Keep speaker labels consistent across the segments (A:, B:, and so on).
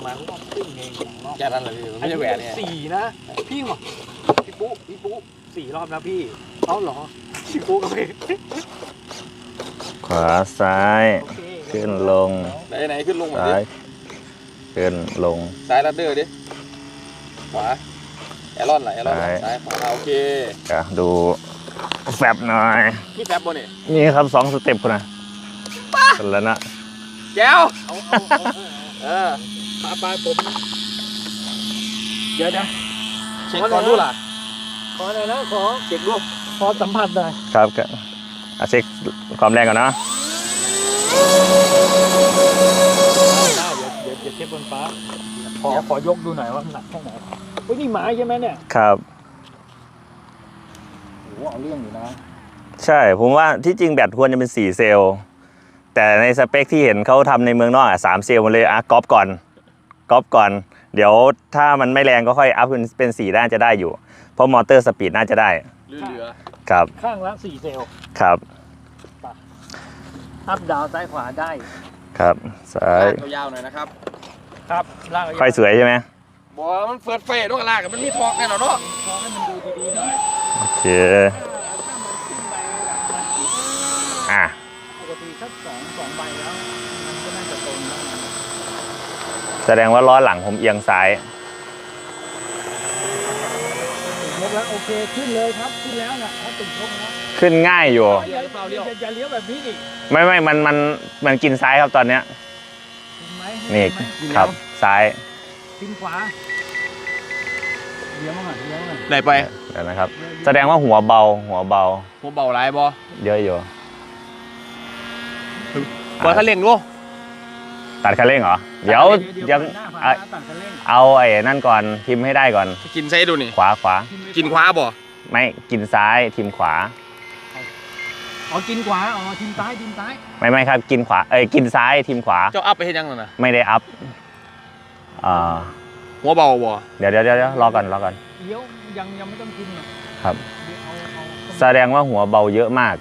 A: มาเขาก็ขึ้นเองเนาะ
B: แค่นั้นเลยไม่ใช่แหวนเนี่ย
A: 4นะพี่หมดพี่ปุ๊4 รอบนะพี่เอาเหรอพี่ปุ๊ก็ไม่
C: ขวาซ้ายขึ้นลง
B: ไหนขึ้นลงหมด
C: ซ้า
B: ดิ
C: ยขึ้นลง
B: ซ้ายลัดเดอร์ดิขวาแอรอนไหลแอรอนซ้ายขวาโอเค
C: ก็ดูแฟบหน่อย
B: พี่แฟบบ่เนี่ย
C: นี่ครับ2 สเต็ปคุณนะกันแล้วนะ
B: แก้ว
A: ไปผมเดี๋ยวนะ
B: เช็คก่อนดูล่ะ
A: ขอหน่อยนะขอ
B: เช็คดู
A: ขอสัมผัสหน่อย
C: ครับก็เช็คความแรงก่อนเนาะ
A: ได้เดี๋ยวเช็คบนฟ้าขอยกดูหน่อยว่าหนักแค่ไหนเฮ้ยนี่ไม้ใช่ไหมเนี่ย
C: ครับ
A: โอ้เอาเรื่องอยู่นะ
C: ใช่ผมว่าที่จริงแบตควรจะเป็น4 เซลล์แต่ในสเปคที่เห็นเขาทำในเมืองนอก3 เซลล์หมดเลยก๊อปก่อนเดี๋ยวถ้ามันไม่แรงก็ค่อยอัพเป็น4น่าจะได้อยู่เพราะมอเตอร์สปีดน่าจะได้
B: เหลือ
C: ครับ
A: ข้างละ4 เซลล์
C: ครับ
A: อัพดาวซ้ายขวาได้
C: ครับซ้าย
B: ลากยาวๆหน่อยนะครับ
A: ครับลาก
C: ค่อยสวยใช่ไหม
B: บอกว่ามันเฟิร์สเฟสด้วยกันลากมันมีทอกแน่นอนเนาะ
A: ขอให้มันดูดีๆหน่อย
C: โอเค
A: ถ้ามันขึ้นไปแบบนั้น
C: อ่ะ
A: ปกติสัก2 ใบแล้ว มันก็น่าจะตรงแล้วนะ
C: แสดงว่าล้อหลังผมเอียงซ้าย
A: ยกแล้วโอเคขึ้นเลยครับขึ้นแล้วนะถ้าติดยกแล้ว
C: ขึ้นง่ายอยู่
A: อย่าเลี้ยวแบบนี้ดิ
C: ไม่มันกินซ้ายครับตอนเนี้ย
A: กินไหม
C: นี่
A: กินไหม
C: ครับซ้าย
A: กินขวาเลี้ยวมาก่อนเลี้ยวมาก่อน
B: ไหนไป
C: เดี๋ยวนะครับ แสดงว่าหัวเบา
B: ผมเบาไรบอ
C: เยอะอยู่
B: บอลคันเร่งดู
C: ตัดคันเร่งเหรอเดี๋ยวยัง
A: หน้าขวา
C: เอา
A: ตัดคันเร่ง
C: เอาไอ้นั่นก่อนทิมให้ได้ก่อน
B: กินไส้ดูนี่
C: ขวา
B: กินขวาบ่
C: ไม่กินซ้ายทิมขวา
A: อ๋อกินขวาอ๋อทีมซ้าย
C: ไม่ครับกินขวากินซ้ายทิมขวา
B: เจ้าอัพไปเห็นยังนะ
C: ไม่ได้อัพ
B: หัวเบาบ่
C: เดี๋ยวรอก่อน
A: เลี้ยวยังไม่ต้องกินนะครับ เดี๋ยวเอา
C: แสดงว่าหัวเบาเยอะมาก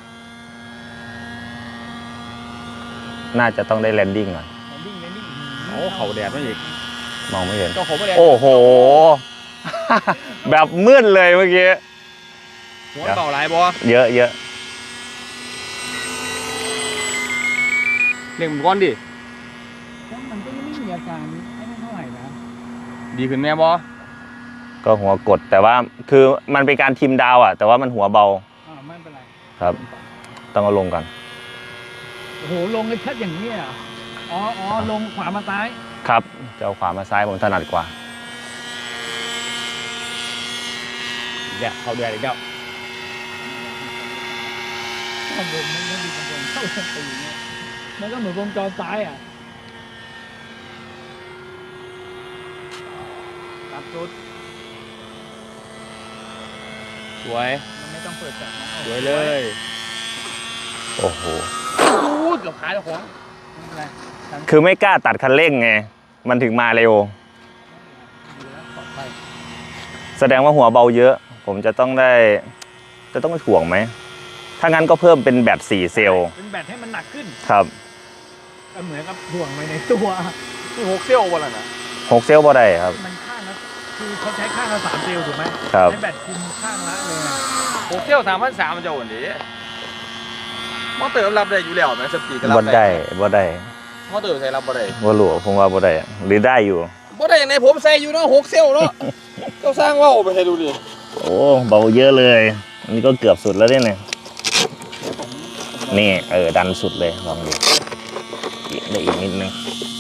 C: น่าจะต้องได้แลนดิ้งก่อน
A: แลนดิ้ง
B: โอ้เขาแดดไม่อีก
C: มองไม่เห็น
B: เจ้าผมไม่แดด
C: โอ้โห แบบมืดเลยเมื่อกี้
B: หัวเบาไรบอ
C: เยอะ
B: เร่งมันก้อนดิ
A: แล้วมันก็ยังไม่มีอาการไม่เท่าไหร่นะ
B: ดีขึ้นแน่บอ
C: ก็หัวกดแต่ว่าคือมันเป็นการทิมดาวแต่ว่ามันหัวเบา
A: ไม่เป็นไร
C: ครับ ต้องเอาลงก่อน
A: โอ้โหลงเลยชัดอย่างนี้อ่ะอ๋อลงขวามาซ้าย
C: ครับจะเอาขวามาซ้ายผมถนัดกว่า
B: เนี่ยเขาแดดอีกแล้ว
A: ข้างบนมันไม่ดีข้างบนเข้าลงไปอย่างเงี้ยมันก็เหมือนวงจรซ้ายอ่ะตัดจุด
B: สวย
A: มันไม่ต้องเปิดจับนะ
B: สวยเลย
C: โอ้โห
B: อู้เกือบขายแล้วของ
A: ไม่เป็นไร
C: คือไม่กล้าตัดคันเร่งไงมันถึงมาเร็ว
A: ดีแล้วปลอดภัย
C: แสดงว่าหัวเบาเยอะ ผมจะต้องถ่วงไหมถ้างั้นก็เพิ่มเป็นแบต4 เซลล์
A: เป็นแบตให้มันหนักขึ้น
C: ครับ
A: ก็เหมือนกับถ่วงไปในตัว
B: นี่6 เซี่ยวบอลนะ
C: 6 เซลล์บ่ได้ครับ
A: มันข้างละคือเขาใช้ข้างละ3 เซลล์ถูกไหม
C: ครับ
A: ใช้แบตคุมข้างละเลยนะ
B: 6 เซี่ยว3,300มันจะอ่อนดิมอเตอร์รับได้อยู่แล้วไหมสปีดก็รับ
C: บ่ได้
B: มอเตอร์ใส่รับบ่ได้
C: บ่รู้ผมว่าบ่ได้หรือได้อยู่
B: บ่ได้อย่างไรผมใส่อยู่เนาะ6 เซี่ยวเนาะ เจ้าสร้างว่าวไปให้ดูดิ
C: โอ้เบาเยอะเลยอันนี้ก็เกือบสุดแล้วเนี่ยนี่ดันสุดเลยลองดูได้อีกนิดนึง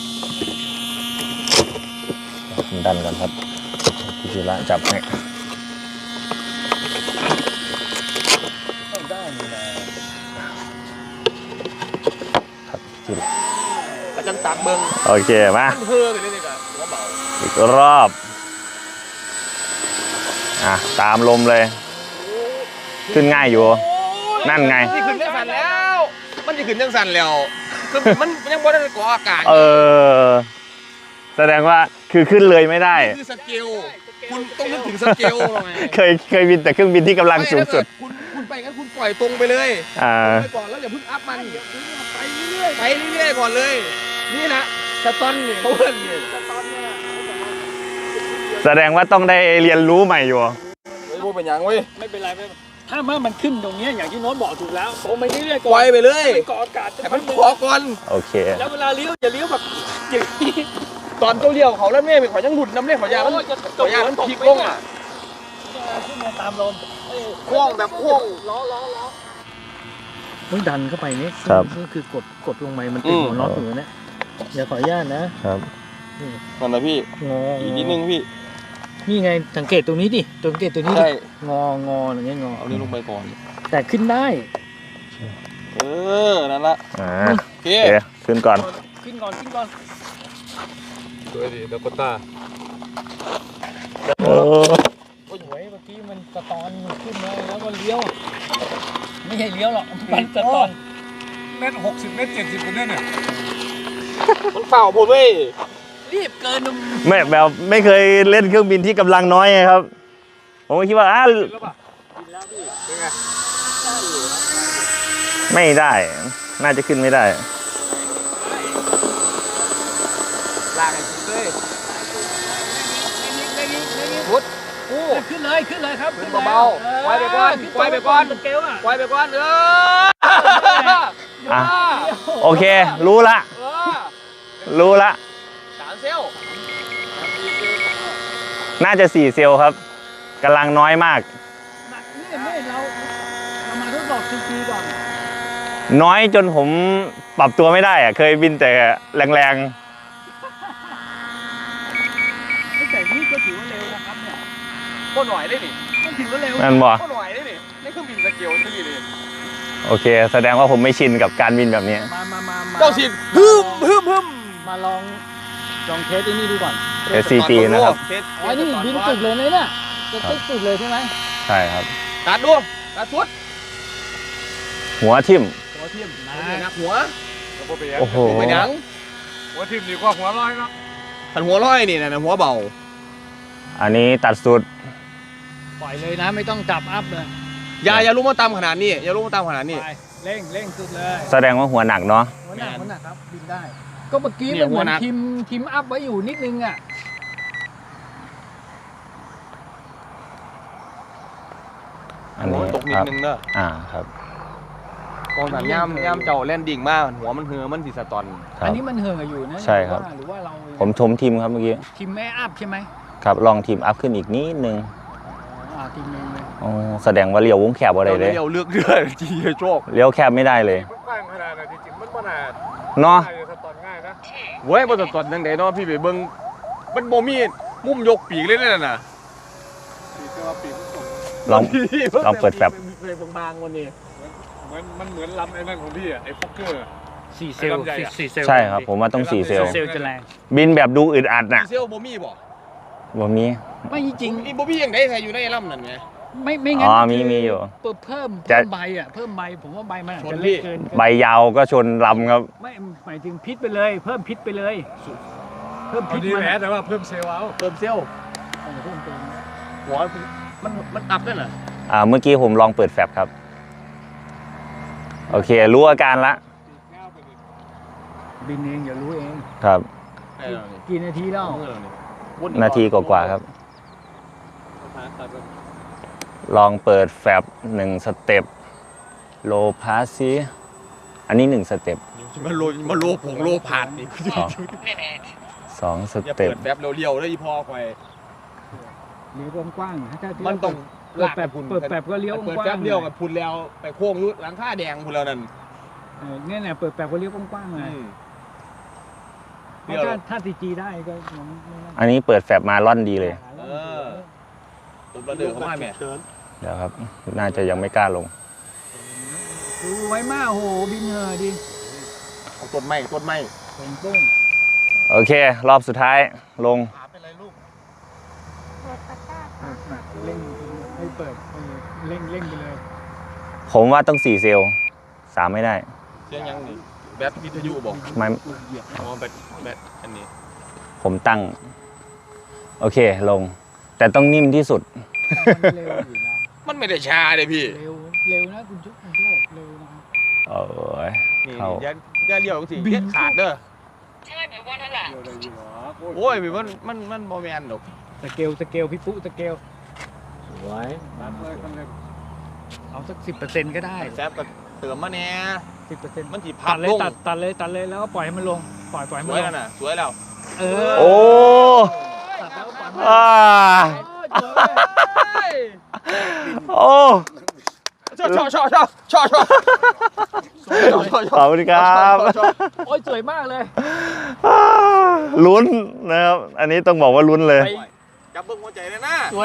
C: ผมดันก่อนครับพิจิระจับให้
A: ได้นี่แหละ
C: ครับพิจิระ
B: อาจารย์ตักเบิ้ง
C: โอเคมา
B: มันเฮือกันเลยนี่กะหัวเบา
C: อีกรอบตามลมเลย ขึ้นง่ายอยู่ นั่นไง
B: นี่ขึ้นยังสั่นแล้ว มันจะขึ้นยังสั่นแล้วคือมันยังบ่ได้ก่ออากาศ
C: แสดงว่าคือขึ้นเลยไม่ได้
B: นี่คือสเกลคุณต้องนึกถึงสเกลหน่อย
C: เคยบินแต่เครื่องบินที่กำลังสูงสุด
B: คุณไปงั้นคุณปล่อยตรงไปเลย ไปก่อนแล้วอย่าเพิ่งอัพมันไปเรื่อยๆก่อนเลย นี่นะสตอนเนี่ยเขาเพิ่นเนี่ยสตอน
C: แสดงว่าต้องได้เรียนรู้ใหม่อยู่
B: เฮ้ยพวกเป็นยังเว้ย
A: ไม่เป็นไรไม่เป็นไรถ้ามันขึ้นตรงเนี้ยอย่างที่โน้ตบอกถูกแล้วโอ้ไม่ได้เรื่อยๆก่
B: ปล่อยไปเลย
A: ไปเกาะอากาศ
B: แต่มันขอก่อน
C: โอเค
A: แล้วเวลาเลี้ยวอย่าเลี้ยวแบบอย่างนี้
B: ตอนเจ้าเลี้ยวเขาแล้วแม่เป็นขอยังหลุดน้ำเล่ขอยามันขอยามันพลิกลงอ่ะ
A: ขึ้นมาตามลม
B: คล้องแบบคล้อง
A: ล้อดันเข้าไปนี่
C: ครับ
A: นี่คือกดลงไปมันติดหัวน็อตอยู่นะอย่าขออนุญาตนะครับ
B: นั่นนะพี่
A: งอ
B: อีกนิดนึงพี่
A: นี่ไงสังเกตตรงนี้ดิสังเกตตรงนี้ดิ
B: ใช่
A: งออย่างเงี้ยงอ
B: เอานี้ลงไปก่อน
A: แต่ขึ้นได้
B: นั่นละ
C: อ่า
B: โอเค
C: โอเคขึ้นก่อน
A: ขึ้นก่อน
B: สวยดีแล้วก็ตา
C: โอ้
A: โอ้ยเมื่อกี้มันสะตอนขึ้นเลยแล้วก็เลี้ยว ไม่ใช่เลี้ยวหรอกมันสะตอน
D: เมตร60 เมตร 70คนเนี่ย
B: มันเปล่าผมเว้ย
A: รีบเกิน
C: ไม่แบบไม่เคยเล่นเครื่องบินที่กำลังน้อยไงครับ ผมก็คิดว่า
A: กินแล้วพี่
D: เป็นไง
C: ไม่ได้ น่าจะขึ้นไม่ได้
B: ลากไอ้คุณเลย
A: พุทธโอ้ขึ้นเลยครับ
B: ขึ้นเบาๆไว้ไปก่อนไว้ไปก่อน
A: สเกลอ่ะ
B: ไว้ไปก่อน
C: อ่ะ โอเค รู้ละ รู้ละ
B: 3 เซล
C: น่าจะ4เซลล์ครับกำลังน้อยมาก
A: ไม่เรามาทดสอบจริงๆก่อน
C: น้อยจนผมปรับตัวไม่ได้อะเคยบินแต่แรง
A: แต่นี่ก็ถือว่าเร็วนะครับเนี่ย
B: ก็หน่อยได้นี่
A: ก็ถือว่าเร็ว
C: ๆนั่นบ่
B: ก็หน่อยได้นี่ในเครื่องบินสเกลที่นี่
C: โอเค แสดงว่าผมไม่ชินกับการบินแบบนี้
A: มา
B: เจ้าสิฮึม
A: มาลองเทสไอ้นี่ดูก่อน
C: SCG นะครับ
A: อ๋อนี่บินสุดเลยนะเนี่ยจะติดสุดเลยใช่ไหม
C: ใช่ครับ
B: ตัดดูตัดสุด
C: หัวทิ่ม
A: หัวทิ่มนะ
B: นักหัว
D: แล้วก็ไปยัง
C: โอ้โห
B: ไปยัง
D: หัวทิมดีกว่าหัวร้อยเนาะ
B: หันหัวร้อยนี่นะหัวเบา
C: อันนี้ตัดสุด
A: ปล่อยเลยนะไม่ต้องจับอัพเลย
B: อย่าลุกมาตามขนาดนี้อย่าลุกมาตามขนาดนี้
A: ไปเร่งสุดเลย
C: แสดงว่าหัวหนักเนาะ
A: หัวหนักครับบินได้ ก็เมื่อกี้
B: เนี่
A: มั
B: ย
A: นเหมือน
B: หัวหนัก
A: ทิมอัพไว้อยู่นิดนึงอ่ะ
C: อันนี้
B: ตกนิ
C: ค
B: ด
C: รับ
B: นึงเนอะ
C: ครับ
B: กองสันย่ำเจ้าแล่นดิ่งมากหัวมันเหือมันสิสะตอน
C: ครั
A: อั
C: บ
A: นนี้มันเห่ออยู่นะ
C: ใช่ครับ
A: หรือว่าเรา
C: ผมชมทีมครับเมื่อกี้
A: ทิมแม่อัพใช่ไหม
C: ครับ ลองทีมอัพขึ้นอีกนิดนึง
A: ทิมเองเลย
C: อ๋อแสดงว่าเลี้ยววงแคบอะไรเลย
B: เดี๋ยวเลือกเรื่อยจีโชค
C: เลี้ยวแคบไม่ได้เลย
D: มันกว้างขนาดนั้นจริงๆมันขนาด
C: เนาะ
D: ง่ายเลยสตอนง่ายนะ
B: เว้ยบนสะตอนยังไงเนาะพี่ไปเบิ่งมันโมมีมุมยกปีกเลยนั่นน่ะ
D: ปีกว่าปีกมันสูง
C: ลองเปิดแฟลช
B: เลยบางๆวันนี้
D: เหมือนลำไอ้นั่นของพี่อะไอ้ฟอกเกอร์อะ
A: 4 เซลล์
D: ลำใหญ่อะ
A: 4 เซลล์
C: ใช่ครับ ผมว่าต้อง4เซลล์
A: เซลล์จะแรง
C: บินแบบดูอึดอัดน่ะ
B: เซลโบมี่บ่
C: บ่มี
A: ไม่จริง
B: นี่โบมี่ยังได้ใส่อยู่ในลำนั่นไง
A: ไม่งั้น
C: อ๋อมีอยู่
A: เพิ่มใบอ่ะเพิ่มใบผมว่าใบมันอาจ
B: ช
A: จะ
B: นพี่
A: เล็กเกิน
C: ใบยาวก็ชนลำครับ
A: ไม่หมายถึงพิษไปเลย เพิ่มพิษไปเลย เพิ่ม
D: เอา
A: พิษ
D: ดี
A: มัน
D: แหละแต่ว่าเพิ่มเซลล์เอา
B: เติมเซล
A: เพิ่มเติม
B: หัวมันอัพด้วยน่ะ
C: เมื่อกี้ผมลองเปิดแฟลชครับ โอเค รู้อาการละ
A: บินเองอย่ารู้เอง
C: ครับ
A: กี่นาทีแล้ว
C: นาทีกว่าๆครับ ลองเปิดแฟลช1 สเต็ปโลพาสซีอันนี้1 สเต็ป
B: มันโลผงโลผาดนี่
C: 2 ส
B: อย่า
C: เต็
B: เปิ
C: ป
B: ดแบบเรียวๆได้อีพอคอย
A: เลี้ยวกว้างๆถ้า
B: มันต้อง
A: เปิดแบบก็เลี้ยว
B: เปิด
A: กว้าง
B: แป๊บเดียวกับพุนแล้วไปโค้งยุดหลังคาแดงพุนแล้วนั่น
A: เนี่ยเปิดแบบก็เลี้ยวกว้างๆเลยเพราะถ้าซีจีได้ก็มันไม่น่า
C: อันนี้เปิดแฟลชมาล่อนดีเลย
B: ผมระเดือเข้ามาแม่
C: เดี๋ยวครับ น่าจะยังไม่กล้าลง
A: ดูไว้มากโหบินเหอะดิ
B: ต้นไม้
A: ตรงปุ้ง
C: โอเค รอบสุดท้ายลง
B: เป็นไรลูก
A: เร่งให้เปิดเร่งไปเลย
C: ผมว่าต้อง4 เซลล์3ไม่ได้
B: เสียงยังนี่แบตวิทยุบอก
C: ไม่
B: อ๋อแบตอันนี้
C: ผมตั้ง โอเคลง แต่ต้องนิ่มที่สุด
A: มันเร็วอยู่นะ
B: มันไม่ได้ช้าเลยพี่
A: เร็วนะคุณโชคเร็วนะครับ
C: โอ้ย
B: นี่
C: เข้า
B: อย่าเลี้ยวสิ
A: บิน
B: เด็ดขาดเด้อ
D: เดี๋ยวได้ยินเหรอ
B: โอ้ยมันโมแมนดอก
A: สเกลพี่ปุ๊สเกลสวย
D: ตัดเลยกันเลย
A: เอาสัก 10%ก็ได้
B: แซฟก็เติมมาแน่
A: 10%
B: มันสิพั
A: ตั
B: บ
A: ดเลย
B: ลง
A: ตัดเลยแล้วก็ปล่อยให้มันลงปล่อย
B: ส
A: มัน
B: วย
A: ล
B: แล้ว
A: ง
B: น่ะสวยแล้ว
A: เออ
C: โอ้
A: ตัดแล้วปล่อยมันลง
C: อ่าโอ้
B: ชอบ
C: ขอบคุณครับ
A: โอ้ยสวยมากเลย
C: ลุ้นนะครับ อันนี้ต้องบอกว่าลุ้นเลย
B: จับเบิ้งหัวใจเลยนะ
A: สวย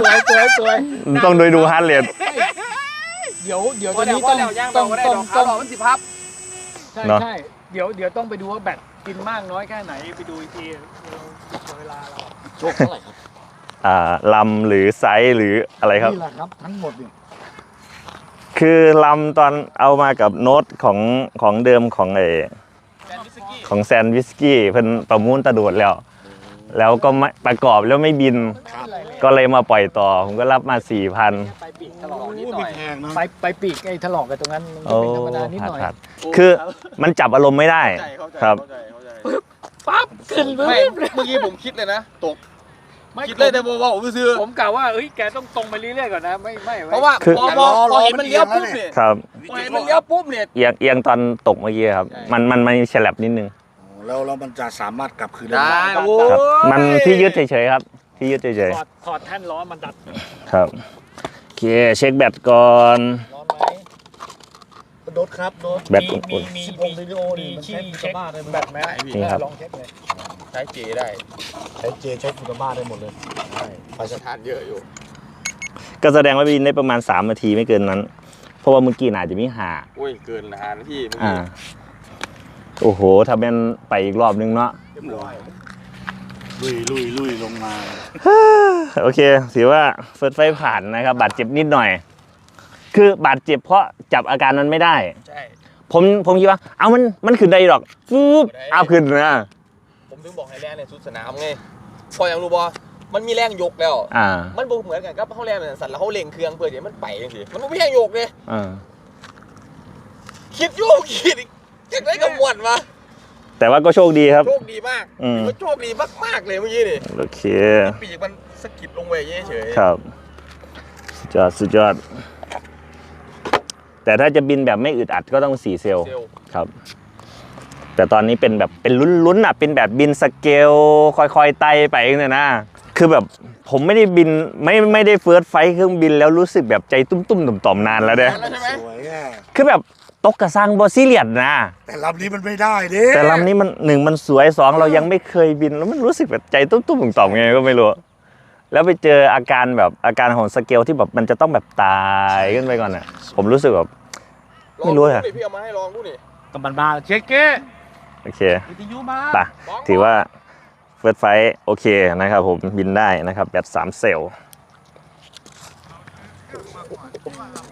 C: ต้องดูฮาร์ดเรท
A: เดี๋ยว
B: พ
A: ตั
B: อ
A: ว
B: แล้ว
A: นี้
B: พอแล้วย่าง
A: ต้
B: เบาก็ได้
A: อง
B: ดอกขาวดอกมันสิพับ
A: ใช่
C: เนอะ
A: ใช่เดี๋ยวต้องไปดูว่าแบตกินมากน้อยแค่ไหนไปดูอีกทีเวลาเรา
D: โชคเท่าไหร่ครับ
C: ลำหรือไซส์หรืออะไรครับ
D: นี่แหละครับทั้งหมดเนี่ย
C: คือลำตอนเอามากับโน้ตของเดิมของของแซนวิสกี้เพิ่นประมูลตะโดดแล้วก็ไม่ประกอบแล้วไม่บิน ก็เลยมาปล่อยต่อ ผมก็รับมา 4,000
A: ไปปีกถลอกนิดหน่อย
D: แพงนะ
A: ไปปีกไอ้ถลอกกันตรงนั้นมัน
C: โอ้
A: เป็นธรรมดานิดหน่อย
C: หัดคือมันจับอารมณ์ไม่ได้
B: เข้าใจ
C: ครับ
A: ปั๊บขึ้น
B: ไม่
A: ปึ๊บ
B: เมื่อกี้ผมคิดเลยนะตก
A: ไม่
B: คิดเลยแต่บอกผมซื้อ
A: ผมกะว่าเฮ้ยแกต้องตรงไปเรื่อยๆก่อนนะไม่
B: เพราะว่า
C: คือ
B: พอเห็นมันเลี้ยวปุ๊บเนี่ย
C: ครับ
B: พอเห็นมันเลี้ยวปุ๊บเนี่ย
C: เอียงตอนตกเมื่อกี้ครับ
B: ใช่
C: มันมีฉลับนิดนึง
D: แล้วมันจะสามารถกลับคืน
B: ได้
D: ได้
B: โอ้
C: ครับ
B: ย
C: มันที่ยึดเฉยๆครับ ที่ยึดเฉย
A: ถอดแท่นล้อมันดัด
C: ๆครับโอเคเช็คแบตก่อน
A: ร้อนไหม
D: โดดครับโดด
C: แบตอุ่น
A: มี
D: 16วิดีโอนี่มัน
A: ชี้
D: ใช้ฟุ
A: เช็
D: ต
A: ค
D: บ้าได้ไหม
A: แบตไหม
C: นี่ครับ
A: ลองเช็คเลย
B: ใช้เจได้
D: ใช้เจใช้ฟุตบ้าได้หมดเลยใช่ไป
B: สถานเยอะอยู่
C: ๆก็แสดงว่าบินได้ประมาณ3 นาทีไม่เกินนั้น เพราะว่าเมื่อกี้น่าจะมีหา
B: โอ้ยเกินนะฮะพี่เมื่อ
C: อ่า
B: กี้
C: โอ้โหถ้าเป็นไปอีกรอบนึงเนาะ
B: เรียบร้อย
D: ลุยลงมา
C: โอเคถือว่าเฟิร์สไฟผ่านนะครับบาดเจ็บนิดหน่อย คือบาดเจ็บเพราะจับอาการมันไม่ได้
B: ใช่
C: ผมคิดว่าเอามันขึ้นได้หรอกฟูบเอาขึ้นนะ
B: ผมถึงบอกให้แรงในสุดสนามไงพออย่างรู้บอมันมีแรงยกแล้ว
C: อ่า
B: มันบ่เหมือนกันกับเขาแรงเนี่ยสัตว์แล้วเขาเล็งเครื่องเพื่อที่มันไปจังซี่มันไม่แรงยกเลย
C: อ่า
B: คิดอยู่คิดอยากได้กับมวนมา
C: แต่ว่าก็โชคดีครับ
B: โชคดีมาก
C: อืม
B: มันโชคดีมากๆเลยเมื่อกี้นี่
C: โอเค
B: ปีกมันสะกิดลงไปเฉยๆ
C: ครับสุดยอด แต่ถ้าจะบินแบบไม่อึดอัดก็ต้อง4 เซลล์
B: เซลล์
C: ครับ แต่ตอนนี้เป็นแบบเป็นลุ้นๆอ่ะเป็นแบบบินสเกลค่อยๆไต่ไปเองเนี่ยนะคือแบบผมไม่ได้บินไม่ได้เฟิร์สไฟท์เครื่องบินแล้วรู้สึกแบบใจตุ้มๆต่อมๆนานแล้วเด้
B: แล้วใช่ไหม
D: สวยอ่ะ
C: คือแบบตกกระซังบอซิเลียดนะ
D: แต่ลำนี้มันไม่ได้เด้
C: แต่ลำนี้มัน1มันสวย2เรายังไม่เคยบินแล้วมันรู้สึกแบบใจตุ้มๆต่อมๆไงก็ไม่รู้แล้วไปเจออาการของสเกลที่แบบมันจะต้องแบบตายขึ้นไปก่อนอ่ะผมรู้สึกแบบ ไม่รู้
B: ล
C: อะ
B: องดูดิพี่เอามาให้ลองดูนี่
A: กำบันบาเช็คเก้
C: โอเค
B: วิทยุมา
C: ไปถือว่าเฟิร์สไฟท์โอเคนะครับผมบินได้นะครับแบต3 เซลล์